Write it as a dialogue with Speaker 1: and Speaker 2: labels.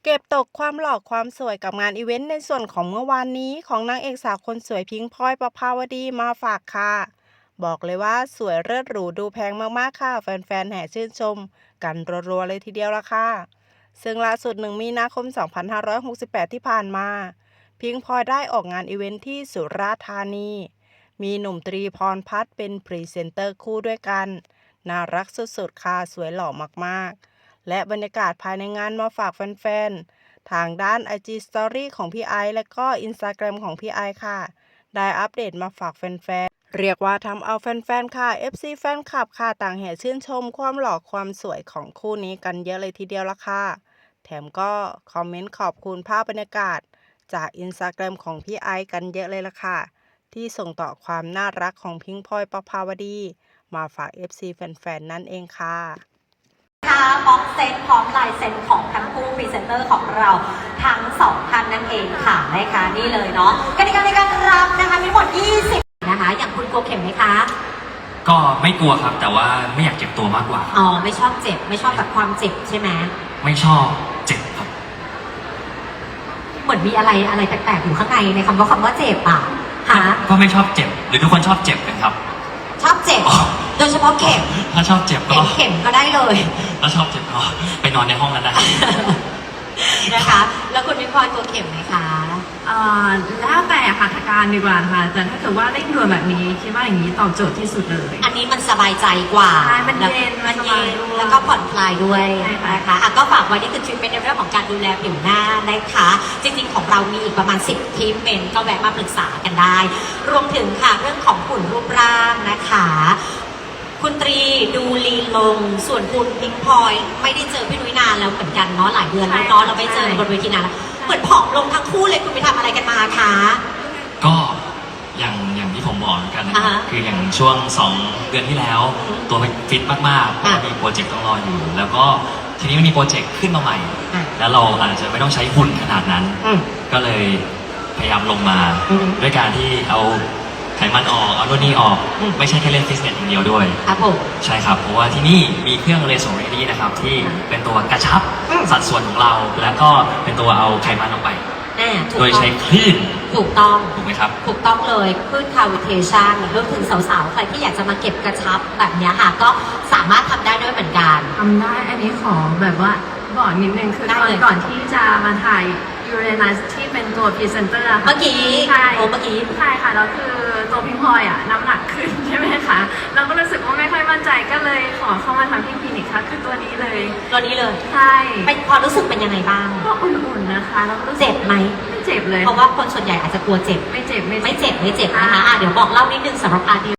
Speaker 1: เก็บตกความหล่อความสวยกับงานอีเวนต์ในส่วนของเมื่อวานนี้ของนางเอกสาวคนสวยพิงค์พลอยประภาวดีมาฝากค่ะบอกเลยว่าสวยเลิศหรูดูแพงมากๆค่ะแฟนๆแห่ชื่นชมกันรัวๆเลยทีเดียวละค่ะซึ่งล่าสุด1มีนาคม2568ที่ผ่านมาพิงค์พลอยได้ออกงานอีเวนต์ที่สุราษฎร์ธานีมีหนุ่มตรีพรพัฒน์เป็นพรีเซนเตอร์คู่ด้วยกันน่ารักสุดๆค่ะสวยหล่อมากๆ และบรรยากาศภายในงานมาฝากแฟนๆ ทางด้าน IG Story ของพี่ไอซ์และก็ Instagram ของพี่ไอซ์ค่ะ ได้อัปเดตมาฝากแฟนๆ เรียกว่าทำเอาแฟนๆ ค่ะ FC แฟนคลับค่ะต่างแห่ชื่นชมความหล่อความสวยของคู่นี้กันเยอะเลยทีเดียวละค่ะ แถมก็คอมเมนต์ขอบคุณภาพบรรยากาศจาก Instagram ของพี่ไอซ์กันเยอะเลยละค่ะ ที่ส่งต่อความน่ารักของพิงค์พลอยประภาวดีมาฝาก FC แฟนๆ นั่นเองค่ะ
Speaker 2: ค่ะบ็อกเซตพร้อมลายเซ็นของทั้งคู่พรีเซนเตอร์ของเราทั้งสองท่านนั่นเองค่ะนะคะนี่เลยเนาะกติกาในการรับนะคะมีหมด20นะคะอย่างคุณกลัวเข็มไหมคะ
Speaker 3: ก็ไม่กลัวครับแต่ว่าไม่อยากเจ็บตัวมากกว่า
Speaker 2: อ๋อไม่ชอบเจ็บไม่ชอบแบบความเจ็บใช่ไหม
Speaker 3: ไม่ชอบเจ็บครับ
Speaker 2: เหมือนมีอะไรแปลกๆอยู่ข้างในในคำว่าเจ็บอ่ะค่ะ
Speaker 3: ก็ไม่ชอบเจ็บหรือทุกคนชอบเจ็บกันครับ
Speaker 2: ชอบเจ็บโดยเฉพาะเข็ม
Speaker 3: ถ้าชอบเจ็บก็
Speaker 2: เข็มก็ได้เลย
Speaker 3: ถ้าชอบเจ็บก็ไปนอนในห้องนั้นนะ
Speaker 2: นะคะแล้วคุณวิพรตัวเข็มไหมคะ
Speaker 4: แล้วแต่ค่ะทางการดีกว่าค่ะแต่ถ้าเกิดว่าเร่งด่วนแบบนี้คิดว่าอย่างนี้ตอบโจทย์ที่สุดเลย
Speaker 2: อันนี้มันสบายใจกว่า
Speaker 4: ใช่มันเย็น
Speaker 2: แล้วก็ผ่อนคลายด้วยนะคะก็ฝากไว้นี่คือทรีทเมนต์ในเรื่องของการดูแลผิวหน้านะคะจริงๆของเรามีอีกประมาณ10ทรีทเมนต์ก็แวะมาปรึกษากันได้รวมถึงค่ะเรื่องของหุ่นรูปร่างนะคะคุณตรีดูลีลงส่วนคุณพิงพลอยไม่ได้เจอพี่นุ้ยนานแล้วเหมือนกันเนาะหลายเดือนแล้วเนาะเราไม่เจอบนเวทีนานแล้วเหมือนผอมลงทั้งคู่เลยคุณไปทำอะไรกันมาคะ
Speaker 3: ก็อย่างที่ผมบอกกันนะครับคืออย่างช่วง2 เดือนที่แล้วตัวฟิตมากๆเพราะมีโปรเจกต์ต้องรออยู่แล้วก็ทีนี้มันมีโปรเจกต์ขึ้นมาใหม่แล้วเราอาจจะไม่ต้องใช้หุ่นขนาดนั้นก็เลยพยายามลงมาด้วยการที่เอาไขมันออกเอาโน่นนี่ออกไม่ใช่แค่เล่นฟิตเนสอย่างเดียวด้วย
Speaker 2: ครับผม
Speaker 3: ใช่ครับเพราะว่าที่นี่มีเครื่องเรโซเรดี้นะครับที่เป็นตัวกระชับสัดส่วนของเราแล้วก็เป็นตัวเอาไขมันออกไปโดยใช้คลื่น
Speaker 2: ถูกต้อง
Speaker 3: ถูกไหมครับ
Speaker 2: ถูกต้องเลยคลื่นคาวิเทชันรวมถึงสาวๆใครที่อยากจะมาเก็บกระชับแบบนี้ค่ะก็สามารถทำได้ด้วยเหมือนกัน
Speaker 4: ทำได้อันนี้ขอแบบว่าบอกนิดนึงคือก่อนที่จะมาถ่ายยูเรนัสที่เป็นตัวพรีเซนเตอร์
Speaker 2: เมื่อกี้
Speaker 4: ใช่
Speaker 2: เมื่อกี้
Speaker 4: ใช่ค่ะแล้วคือตัวพิงพลอยน้ำหนักขึ้นใช่ไหมคะเราก็รู้สึกว่าไม่ค่อยมั่นใจก็เลยขอเข้ามาทำที่คลินิกค่ะคือตัวนี้เลยใช่
Speaker 2: เป็นความรู้สึกเป็นยังไงบ้าง
Speaker 4: ก็อุ่นๆนะคะแล้วก็
Speaker 2: เจ็บไหม
Speaker 4: ไม่เจ็บเลย
Speaker 2: เพราะว่าคนส่วนใหญ่อาจจะกลัวเจ็บ
Speaker 4: ไม่เจ็บ
Speaker 2: นะคะเดี๋ยวบอกเล่านิดนึงสำหรับอาร์ดี